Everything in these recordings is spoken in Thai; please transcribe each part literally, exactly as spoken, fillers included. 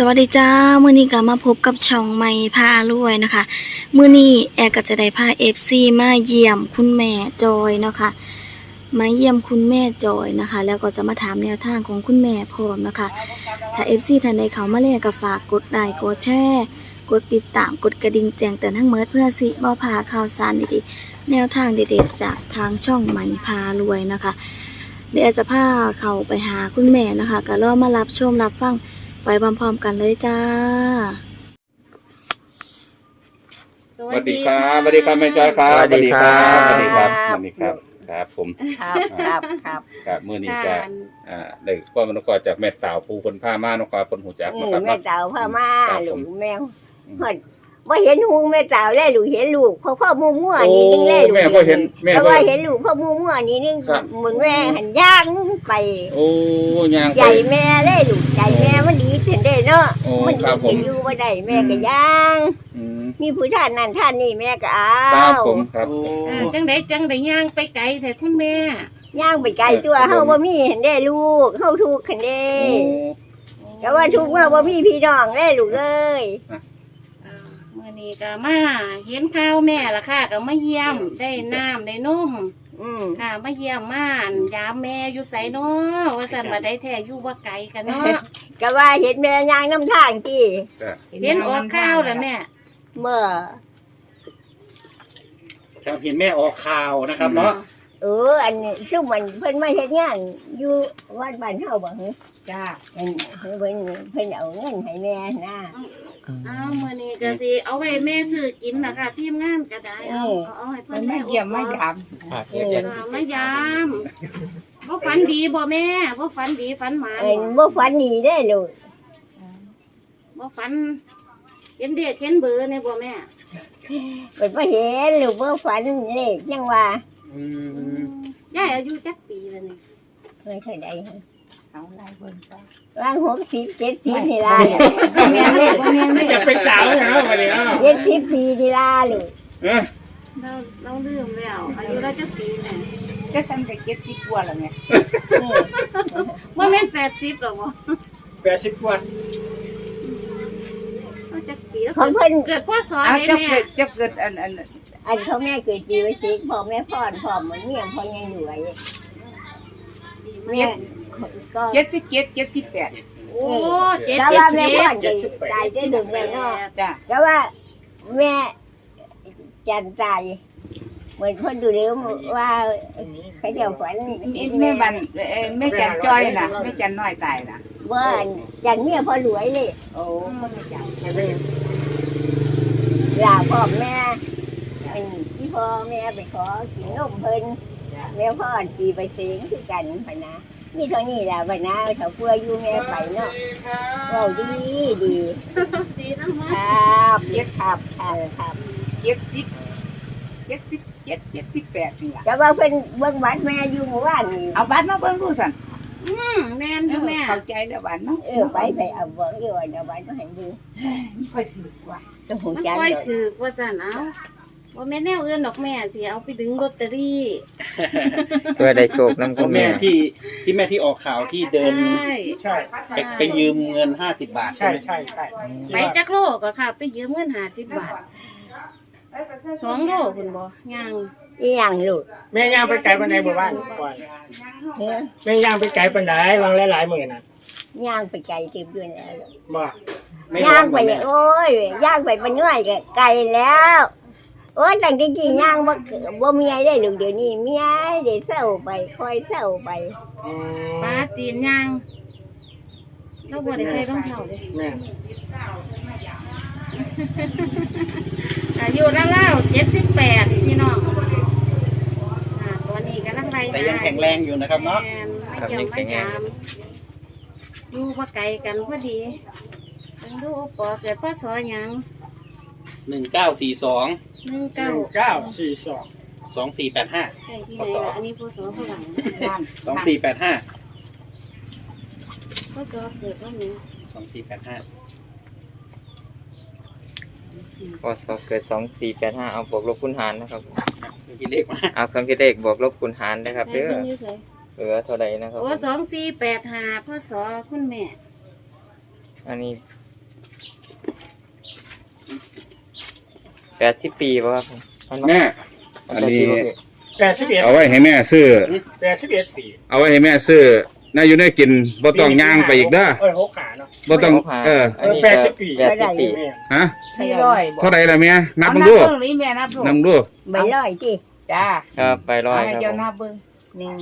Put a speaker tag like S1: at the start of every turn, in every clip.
S1: วัสดีจ้ามื้อนี้ก็มาพบกับช่องใหม่พารวยนะคะมื้อนี้แอร์ก็จะได้พา เอฟ ซี มาเยี่ยมคุณแม่จอยเนาะค่ะมาเยี่ยมคุณแม่จอยนะคะแล้วก็จะมาถามแนวทางของคุณแม่พร้อมนะคะถ้า เอฟ ซี ท่านใดเข้ามาแล้วก็ฝากกดไลค์กดแชร์กดติดตามกดกระดิ่งแจ้งเตือนทั้งหมดเพื่อสิบ่พลาดข่าวสารดีๆแนวทางเด็ดๆจากทางช่องใหม่พารวยนะคะเดี๋ยวแอร์จะพาเข้าไปหาคุณแม่นะคะก็รอมารับชมรับฟังไปพร้อมๆกันเลยจ้า
S2: สวัสดีครับสวัสดีครับแม่จอยครับ
S3: สวัสดีครับ
S2: สวัสดีครับสวัสดีครับครับผม
S4: ครับครับครับ
S2: ครับมื้อนี้จะอ่าได้ข้อมูลกรจากแม่สาวผู้คนพามานกคนหูจัก
S4: อื
S2: นะ
S4: ม
S2: ครับ
S4: แม่
S2: เนาะ
S4: สาวพามา
S2: ครับ
S4: ลู
S2: ผม
S4: กแมวฮอดบ่เห็นหูแม่สาวแล้วลูกเห็นลูกพ่อพ่อมั่วมั่วๆนี่นึงแล้วลูก
S2: แม่ก็เห็นแม่
S4: แต่
S2: ก็
S4: ว่าเห็นลูกพ่อมั่วมั่วๆนี่นึง
S2: ครับ
S4: เหมือนแม่หันย่างไป
S2: โอ้ย่าง
S4: ใจ
S2: ไป
S4: แม่เลยลูกใจแม่มันดีขึ้นได้เนาะ
S2: โอ้
S4: มัน
S2: ครับผม
S4: อยู่บ่ได้แม่ก็ย่าง
S2: อืม
S4: มีผู้ท่านนั่นท่านนี่แม่ก็เอา
S2: ครับผมครับ
S5: อ่าจังไดจังไดย่างไปไกลแต่คุณแม่
S4: ย่างไปไกลตัวเฮาบ่มีเห็นได้ลูกเฮาทุกข์คันเด้
S2: โอ้
S4: แต่ว่าทุกข์ว่าบ่มีพี่น้องเด้ลูกเอ้ย
S5: อ่ามื่อนี้ก็มาเห็นข่าวแม่ละค่ะก็มาเยี่ยมได้น้ำได้นม
S4: อืม
S5: ค่ะมาเยี่ยมม่านยามแม่อยู่ไสเนาะว่าสันบ่ได้แท้อยู่บ่ไกลกันเนาะ
S4: ก็ว่าเห็นแม่ย่างน้ำทางที่
S5: เห็นออกข่าวแล้วแม่
S4: เมื่อ
S3: ครับเห็นแม่ออกข่าวนะครับเนาะ
S4: เอออันนี้ซึ่งมันเพิ่นมาเฮ็ดงานอยู่วัดบ้านเฮาบ่ฮึ
S5: จ้า
S4: เพิ่นเพิ่นเพิ่นเอาเงินให้แม่นะ
S5: อ้าวมื่อนี้ก็สิเอาไว้แม่ซื้อกินนะคะทีมงานก็ได้เอาเอาเอาให้เพิ่นได้เยี่ยมมายาม
S4: เออ
S5: มายามบ่ฝันดีบ่แม่บ่ฝันดีฝันหมา
S4: เอ็น
S5: บ่
S4: บ่ฝันดีเด้อลูก
S5: บ่ฝันเห็นเด็กเห็นเบอร์เนี่ยบ่แม่
S4: เพิ่นบ่เห็นลูกบ่ฝันเลขจังว่า
S3: อืม
S5: ยายอายุจักปีแล้วนี่
S4: เพิ่นเท่าใดฮะ
S5: เอาหลายเบิ่งซะ
S4: วางหกสิบ เจ็ดสิบนี่ล่ะ
S5: บ่แม่นเด้บ่แม่นเด้
S3: จะไปสาวเหรอวันนี้อ้าว
S4: เจ็ดสิบปีนี่ล่ะลูก
S2: เอ้ย
S5: เราเราลืมแล้วอายุเราจักปีแม่
S6: ก็ทำแต่เก็บที่กลัวแล้วไง
S4: นี่
S5: บ่แม่นแปดสิบหรอกบ่
S3: แปดสิบกว่า
S5: เราจักปีแล้ว
S4: ของเพิ่น
S5: เกิดพศ
S6: เอา
S5: ใด
S6: จะ
S5: แม่
S6: เกิดจะเกิดอันอัน
S4: อันเขาแม่เกิดปีไว้สิพ่อแม่พรพ่อเหมือนเมียพ่อยังอยู่ไว้แม่ก็
S6: เจ็ดสิบเจ็ดเจ็ดสิบแปด
S5: โอ้เจ็ด
S4: แล้ว
S5: สิ
S4: ว่า
S5: บ
S4: แม่
S5: เจ็
S4: พ่อ
S5: ด
S4: จะตายได้ดึงเลยเนาะ
S6: จ้ะ
S4: แล้วว่าแม่จันตายเหมือนคนดูเลี้ยวว่าเขาเจ้าฝัน
S6: มีแม่บันเอ่อแม่จันจ้อยน่ะแม่จันน้อยตายน่ะ
S4: ว่าจันเนี่ยพอรวยเลย
S6: โอ้คนไม่จัน
S4: ลาพ่อแม่อันที่พ่อแม่ไปขอกินนมเพิ่นแม่พ่อปีไปเสียงคือกันพะนะนี่เท่านี้แหละพะนะเขาเพื่ออยู่แม่ไปเนาะเราดีดี
S5: ดีทั้งหมด
S4: ครับเย็ดครับครับครับ
S6: เจ็ดสิบเจ็ดสิบเจ็ดเจ็ดสิบแปดนี่ล่ะ
S4: แต่ว่าเพิ่นเบิ่งบัตรแม่อยู่เมื่อวานนี่
S6: เอาบัตรมาเบิ่งดูสัน
S5: อืมแม่นอยู่แม่
S6: เข้าใจแล้วบัตรเนาะ
S4: เออไปไปเอาเบิ่งอยู่ว่าเดี๋ยวบัตรก็ให้ดู
S6: ค่อยถือว่า
S4: ต้องหู
S5: มัน
S4: จัน
S5: ค่อย
S4: เลย
S5: ถือว่าซั่นเอาบ่แม่นแนวอื่นดอกแม่สิเอาไปดึงลอตเตอรี่
S7: เพื่อได้โชคน้ำคุณ
S3: แม่
S7: แม่
S3: ที่ที่แม่ที่ออกข่าวที่เดิน
S5: ใช่
S3: ใช่ไปไปยืมเงินห้าสิบบาทใช่ไหม
S5: ไปจักโลก็ค่ะ ไปยืมเงินห้าสิบบาทสองโลคุณบ่ยัง
S4: อีหยังลูก
S8: แม่ย่างไปไกลปานใดหมู่บ้านก่อน
S4: เฮ้ย
S8: แม่ย่างไปไกลปานใดวางหลายๆหมื่นน่ะ
S4: ย่างไปไกลเต็มด้วยแล้ว
S8: บ่
S3: ไม่
S4: ย่างไป
S3: แม่
S4: โอ้ยย่างไปมันง่ายก็ไกลแล้ว โอ้ยตั้งแต่กี่ย่างบ่เกิดบ่มีไอ้ได้ลูกเดี๋ยวนี้มีไอ้ได้เศร้าไปคอยเศร้าไป
S8: อืม
S5: ปลาตีนยังเราบ่ได้ใส่รองเท้าเลย
S8: แม่
S5: อายุแล้วๆเจ็ดสิบแปดพี่น้องอ่าตัวนี้กำลังไล่
S3: แต่ยังแข็งแรงอยู่นะครับเนาะ
S5: แม่ไม่เกี่ยวไม่ยามอยู่มาไกลกันพอดีเบิ่งดูโอปอเกิดพศหยัง
S3: หนึ่งเก้าสี่สอง
S5: หนึ่ง
S8: ห
S5: เก้า
S8: นึ่งเก้าสี่สอง
S3: สองสี่แปดห้า
S5: ใช่ที่ไหนล่ะอันนี้พศฝรั่ง
S6: บ้าน
S3: สองสี่แปดห้า
S5: พศเกิดวันนี้
S3: สองสี่แปดห้า
S7: พศเกิดสองสี่แปดห้าเอาบวกลบคูณหารนะครับ
S3: มีเลขมา
S7: เอาเครื่องคิดเลขบวกลบคูณหารนะครับ
S5: ใช่
S7: เด้อ
S5: เพิ่นอยู่ไส
S7: เหลือเท่าไหร่นะครับ
S5: โอ้สองสี่แปดห้าพศคุณแม่
S7: อันนี้แปดสิบปีป่ะครับผมมันบ่
S2: แม่อันนี้
S8: แปดสิบเอ็ด
S2: เอาไว้ให้แม่ซื้อ
S8: แปดสิบเอ็ดปี
S2: เอาไว้ให้แม่ซื้อน่าอยู่ได้กินบ่ต้องย่างไปอีกเด้อ
S8: เอ้ยหกขาเนาะ
S2: บ่ต้องเออ
S7: อันนี้
S8: แปดสิบปี
S7: แปดสิบปี
S8: แม่
S2: ฮะ
S6: สี่ร้อยบ่
S2: เท่าไหร่ล่ะแม่นับ
S6: เอา
S2: มึงดู
S6: เบิ่งนี่แม่นับดู
S2: นับมึงดู
S4: ใบร้อยที่
S6: จ้า
S7: ครับไปร้อย
S6: ให้
S7: ครับ
S6: เจ้า
S7: ผม
S6: นับเบิ่ง
S4: หนึ่ง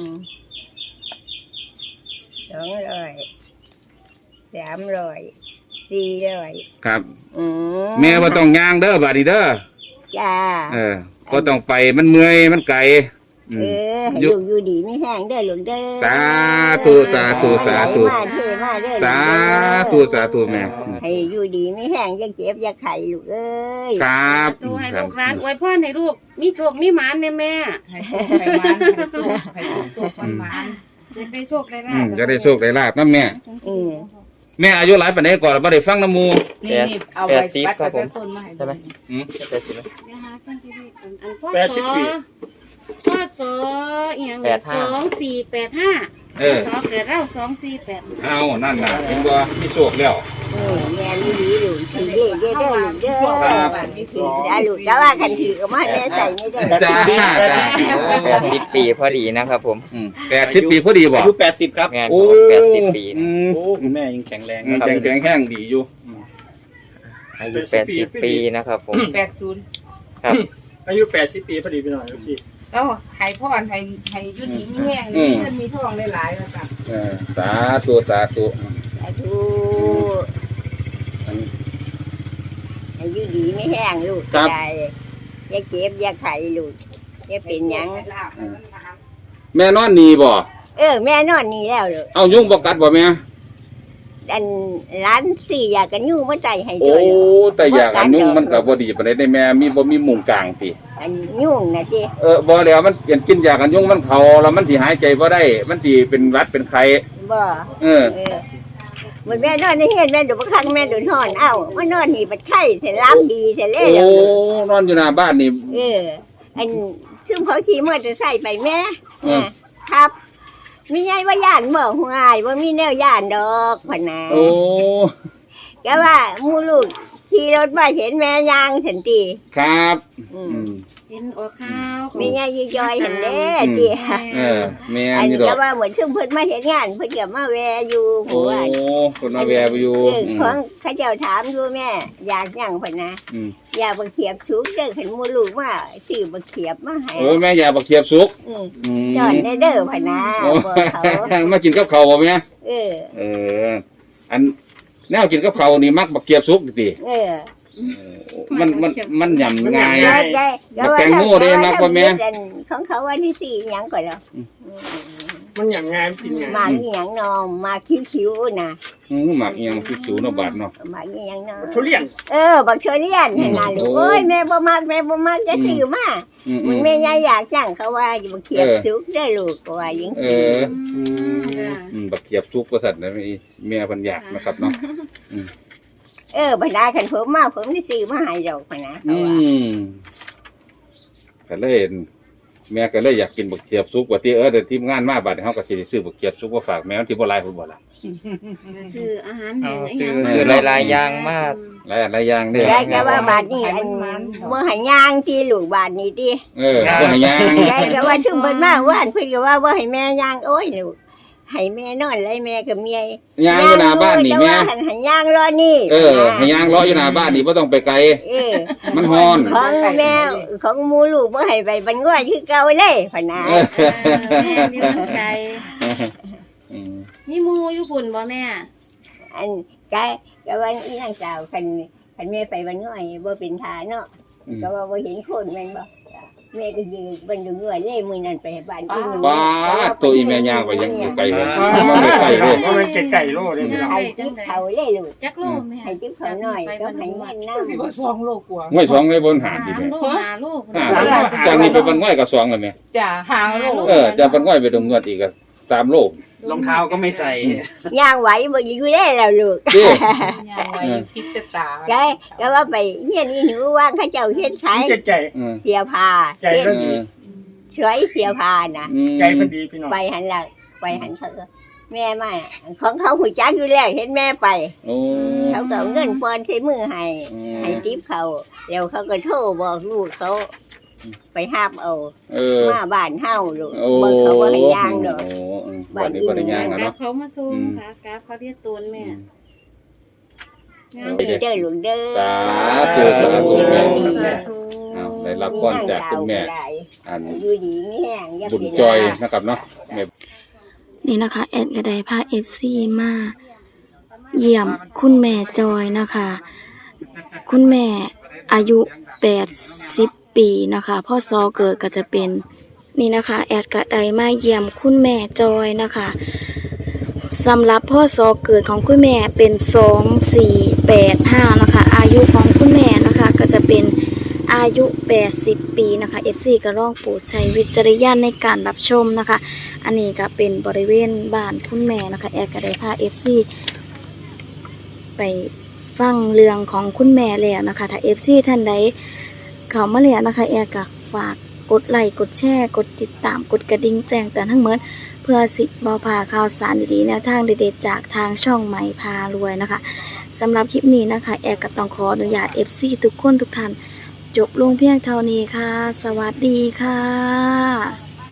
S4: สองร้อยสามร้อยสี่ร้อย
S2: ครับ
S4: อืม
S2: แม่บ่ต้องย่างเด้อบาดนี้เด้อ
S4: จ้า
S2: เออบ่ต้องไปมันเมื่อยมันไกลอื
S4: เอ
S2: ม
S4: อให้
S2: อยู่
S4: ลูกอยู่ดีไม่แห้งเด้อลูกเด้อ
S2: สาธุสาธุสาธุ
S4: มาเทมาเด้อ
S2: สาธุสาธุแม่
S4: ให้อยู่ดีไม่แห้งอย่าเจ็บอย่าไข้ลูกเอ้ย
S2: ครับ
S5: ตัวให้
S2: ครั
S5: ลู
S2: บ
S5: กหลานอวยพรให้ลูกมีโชคมีหมานแม่แม่
S6: ให้โชคให้หมานให้สุขให้สุขสุขมันหมาน
S5: จะได้โชคได้ลา
S2: อื
S5: ภ
S2: มจะได้โชคได้ลาบนํแม่
S4: อืม
S2: แม่อายุหลายปานใดก่อนบ่ได้ฟังน้ำหมู่
S6: นี่นี่เอาไว้บัตรประชาชนมาให้
S7: ใช่ไหม
S2: อืม
S7: แปดสิบไหม
S5: เดี๋ยวหาเครื่องคิดเลขก่อนอันพ่อ
S8: แปดสิบ
S5: สอ
S8: ปี
S5: พ่อสออีหยัง
S7: แปดห้า
S5: สองสี่แปดห้า
S2: เออ
S5: สอเกิดเราสองสี่แปด
S2: เอานั่นน่ะเห็นบ่มีโชคแล้ว
S4: เออแม่อยู่ดีลูกถือเด้อเด้อเด้อลูกเด้อ
S2: ครับ
S4: ถือได้ลูกแต่ว่าคันถือก็มาแม่ใส่ไม่ได้
S2: จ้าจ้า
S7: แปดสิบปีพอดีนะครับผม
S2: อืมแปดสิบปีพอดีบ่
S3: อายุแปดสิบครับ
S7: งาน
S2: โอ้
S7: แปดสิบปี
S2: อืม
S3: โอ้คุณแม่ยังแข็งแรง
S2: อืมแข็งแข็งแห้งดีอยู่
S7: อายุแปดสิบปีนะครับผม
S6: แปดศูนย์
S7: ครับ
S8: อายุแปดสิบปีพอดีพี่น้องพี่
S6: แล้วให้พ่อให้ให้อยุดีมีแห้งมีเงินมีทองหลายๆแล้วจ้ะ
S2: เออสาธุสาธุ
S4: สาธุให้อยู่ดีไม่แห้งลูกได้อย่าเจ็บอย่าไข้ลูกอย่าเป็นหยัง
S2: แม่นอนนี่บ่
S4: เออแม่นอนนี่แล้วลูก
S2: เอายุงบ่กัดบ่แม่
S4: อันร้านสี่อยากกันยู่มาใจให้
S2: โอ้
S4: ด้วยลูก
S2: แต่อยากอันยุงมันก็บ่ดีปานใดได้แม่มีบ่มีมุงกลางติ
S4: อันยุ่งนะจี
S2: เออบ่แล้วมันกินกินยากันยุงมันเข้าแล้วมันสิหายใจบ่ได้ มันสิเป็นหวัดเป็นไข้
S4: บ่
S2: เออ
S4: เออมันแม่นอนในเฮ็ดแม่ดูบางครั้งแม่ดูนอนเอ้ามานอนนี่ปัดไข้เสร็จล้างดีเสร็จแล้
S2: โอ้
S4: ว
S2: นอนอยู่หน้าบ้านนี่
S4: เออ อันซึ่งเขาขี่มอเตอร์ไซค์ไปแม่
S2: อืม
S4: ครับมีไงว่าย่านบ่ห่วยว่ามีแนวย่านดอกพะนะ
S2: โอ้
S4: ก็ว่าหมูลูกขี่รถมาเห็นแม่ยางสันติ
S2: ครับ
S4: อื
S2: อื
S4: ม
S2: ม
S5: เห็นออกข้าว
S4: มีไงยี่จอยเห็นเด้
S2: อืม
S4: ติ
S2: เออแม่
S4: อัน
S2: นี่
S4: นี้
S2: ดอ
S4: ก็
S2: ก
S4: ว่าเหมือนซึ่งเพิ่นมาเห็นงานเพิ่นก็มาแวอยู่ห
S2: โอ้
S4: มู่ว่า
S2: คนมาแวะอยู่
S4: เออ
S2: อื
S4: ของ
S2: ม
S4: เขาเจ้าถามอยู่แม่ อยากหยังพะนะ
S2: อืม
S4: อยากบักเขียบสูงเด้อขันหมูลูกมาซื้อบักเขียบมาให้
S2: โอ้แม่อยากบักเขียบสุก
S4: อืม
S2: อืม
S4: จอนได้เด้อพะนะ
S2: โอ้
S4: บอกเขา
S2: มากินกับข้าวบ่แม่
S4: เออ
S2: เออ อันแนวกินกับข้าวนี่มักบักเขียบสุกติ
S4: เออ
S2: มันมันมันยำง่าย
S4: ได้ได้
S2: บักแตงโมเด้มักบ่แม่
S4: ของเขาวันที่สี่หยังก่อนแล้ว
S8: มันอย่างงานกินงาน
S4: มาอีหยังนอมมาคิ้วๆนะ
S2: อืมหมักอีหยังคือสูเนาะบาดเนาะ
S4: มาอีหยังนอม
S8: ทุเรียน
S4: เออบักเชอเลียนขนาดลูก
S2: โอ้
S4: โอ้ยแม่บ่มักแม่บ่มักจะซื้อมา
S2: อืม
S4: มึงแม่ยายอยากจังเขาว่าอยู่บักเขียบ
S2: เออ
S4: สุกได้อลูกก็ว่าหยัง
S2: เออ อืมบักเขียบสุกว่าซั่นนะแม่เพิ่นอยากนะครับเนาะ
S4: เออพะนาคันผมมาผมได้ซื้อมาให้ดอกพะนะเขา
S2: อื
S4: ว่า
S2: มก็เลยแม่ก็เลยอยากกินบักเขียบสุกว่าที่เออเดี๋ยวทีมงานมาบัดนี้เฮาก็สิได้ซื้อบักเขียบสุกมาฝากแม่ที่บ่หลายพุ่นบ่ล่ะ
S5: ซื้ออาหารแห้
S7: เอา
S5: ง
S7: ซื้อ
S5: หยัง
S7: ซื้อหลายๆอย่างมาก
S2: หลายอันหลายอย่างเด้อ
S4: ยายก็ว่าบาทนี้อันบ่ให้ย่างที่ลูกบาทนี้ติ
S2: เออบ่ให้ย่าง
S4: ยายก็ว่าถึงเพิ่นมาว่านเพิ่นก็ว่าบ่ให้แม่ย่างโอ้ยลูกให้แม่นอนเลยแม่กับเมีย
S2: ย่างอยู่หน้าบ้านนี่แม่
S4: แต่ว่าให้ย่างรอนี่
S2: เออให้ย่างเลาะอยู่หน้าบ้านนี่บ่ต้องไปไกล
S4: เออ
S2: มันฮ้อน
S4: ของแม่ของหมูลูกบ่ให้ไปบันง่อยคือเก่าเลยพะนะ
S2: เออ
S5: เออแม่มีน้ำใจ
S2: อืม
S5: มีหมูอยู่พุ่นบ่แม่
S4: อันก็ก็วันอีนางสาวคันคันแม่ไปบันง่อยบ่เป็นทาเนาะ
S2: อืม
S4: ก็ว่าบ่เห็นคนแม่นบ่แม่ก็ยืนบันดูง่อยเลยมื้อนั้นไปบ้านอีหนู
S2: ป้าดตัวอีแม่ย่างไปยังอยู่ไกลเลยมันไม่ไกลเลย
S8: เพราะมันไก่โลเลยพี่น้อง
S4: ให้ติ๊บเขาเลยลูก
S5: จักโลแม่
S4: ให้ติ๊บเขาหน่อยก็ให้เงินน้ำ
S6: สิบ่สองโลกว่า
S2: ง่วยสองเลยบนหาด
S5: สา
S2: ดิ
S5: ม
S2: แม่
S5: โลห้าโลพุ่น
S2: หา
S5: น่ะ
S2: ดจากนี้ไปบนง่วยก็สองเลยแม่
S6: จ้ะหางโลก
S2: เออจากบนง่วยไปตรงเงือดอีกก็สามโล
S3: รองเท้าก็ไม่ใส่
S4: ย่างไหวบ่อยู่ได้แล้วลูก
S2: เด้
S6: ยางไว้คิดจะตา
S4: แกก็ว่าไปเฮียนอีหนูว่างเขาเจ้าเฮ็ดขาย
S8: ใจใจ
S2: อืม
S4: เสียผ้า
S8: ใจ
S4: เฮ็ด
S8: ก็
S2: เอ
S8: ดี
S2: อ
S4: สวยเสียผ้าน่ะ
S2: อืม
S8: ใจพอดีพี่น้อง
S4: ไปหันหลังไปหันเถอะแม่มาของเขาหูจักอยู่แล้วเห็นแม่ไป
S2: โอ้
S4: เขาก็เอาเงินปอนใช้มือให้
S2: อืม
S4: ให้ทิปเขาแล้วเขาก็โทรบอกลูกเขาไปห้ามเอา
S2: เออ
S4: มาบ้านเฮาลูก
S2: โอ้
S4: เบิ่งเขาบ่ให้ย่างดอก
S2: โอ้อืมวันนี้บ่ได้ย่าง
S5: ก
S2: อะ
S5: ราบ
S2: เนาะ
S5: เขามาส่ง
S2: อืม
S5: ค่ะกราบเขาเรียกตูนแม่
S2: อืม
S5: งาม
S4: ดีเด้อลูกเด้อ
S2: สาธุสาธุแม่
S5: สาธุ
S2: อ้าวได้รับพรจากคุณแม่ อัน
S4: อยู่ดีมีแห้งอย่า
S2: บุญ
S4: เป็น
S2: จอยนะครับเนาะแม่
S1: นี่นะคะแอดก็ได้พา เอฟ ซี มาเยี่ยมคุณแม่จอยนะคะ คุณแม่อายุแปดสิบปีนะคะพ่อซอเกิดก็จะเป็นนี่นะคะแอดก็ได้มาเยี่ยมคุณแม่จอยนะคะสำหรับพ่อซอเกิดของคุณแม่เป็นสองสี่แปดห้านะคะอายุของคุณแม่นะคะก็จะเป็นอายุแปดสิบปีนะคะ เอฟ ซี ก็ลองโปรดใช้วิจารณญาณในการรับชมนะคะอันนี้ก็เป็นบริเวณบ้านคุณแม่นะคะแอดก็ได้พา เอฟ ซี ไปฟังเรื่องของคุณแม่แล้วนะคะถ้า เอฟ ซี ท่านใดเข้ามาแล้วนะคะแอดก็ฝากกดไลค์กดแชร์กดติดตามกดกระดิ่งแจ้งเตือนทั้งหมดเพื่อสิบ่พลาดข่าวสารดีๆแนวทางเด็ดๆจากทางช่องใหม่พารวยนะคะสำหรับคลิปนี้นะคะแอดก็ต้องขออนุญาต เอฟ ซี ทุกคนทุกท่านจบลงเพียงเท่านี้ค่ะ สวัสดีค่ะ